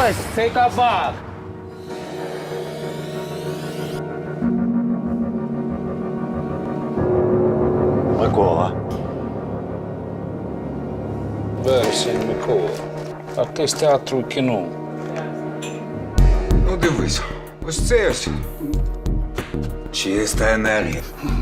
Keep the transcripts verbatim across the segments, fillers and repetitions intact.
Ось цей кабак. Микола. Вересень Микола. А ти з театру і кіно. Ну дивись, ось це ось. Чиста енергія.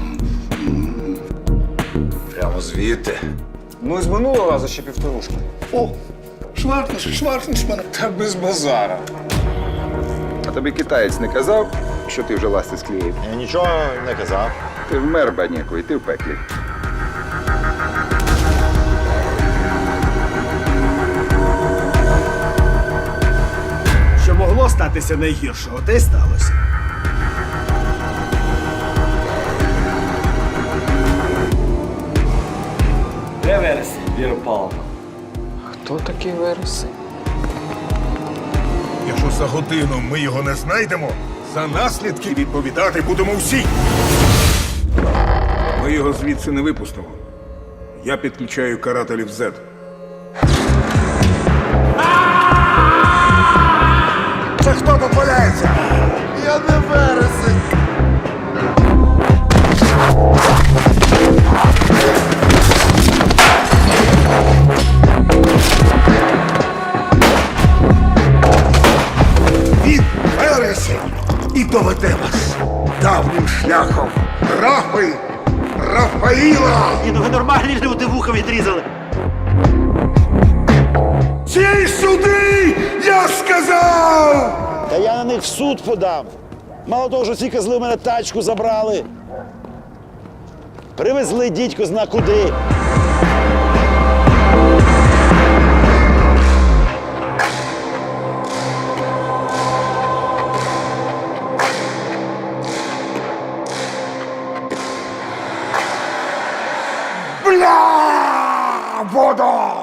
Прямо звідти. Ну і з минулого разу ще півторушки. О, шваркнеш, шваркнеш мене. Та без базара. А тобі китаєць не казав, що ти вже ласти склеїв? Я нічого не казав. Ти вмер, бадніку, і ти в пеклі. Що могло статися найгіршого, те й сталося. Де вересень, Віра Павловна? Хто такий Вересень? Якщо за годину ми його не знайдемо, за наслідки відповідати будемо всі. Ми його звідси не випустимо. Я підключаю карателів зет. Це хто тут валяється? Я не вересень. Він вересень і доведе вас давнім шляхом. Рафи Рафаїла! Ні, ну ви нормальні люди вуха відрізали. Ці сюди, я сказав! Та я на них в суд подам. Мало того, що ці козли в мене тачку забрали. Привезли дідько зна куди. Бля! Вода!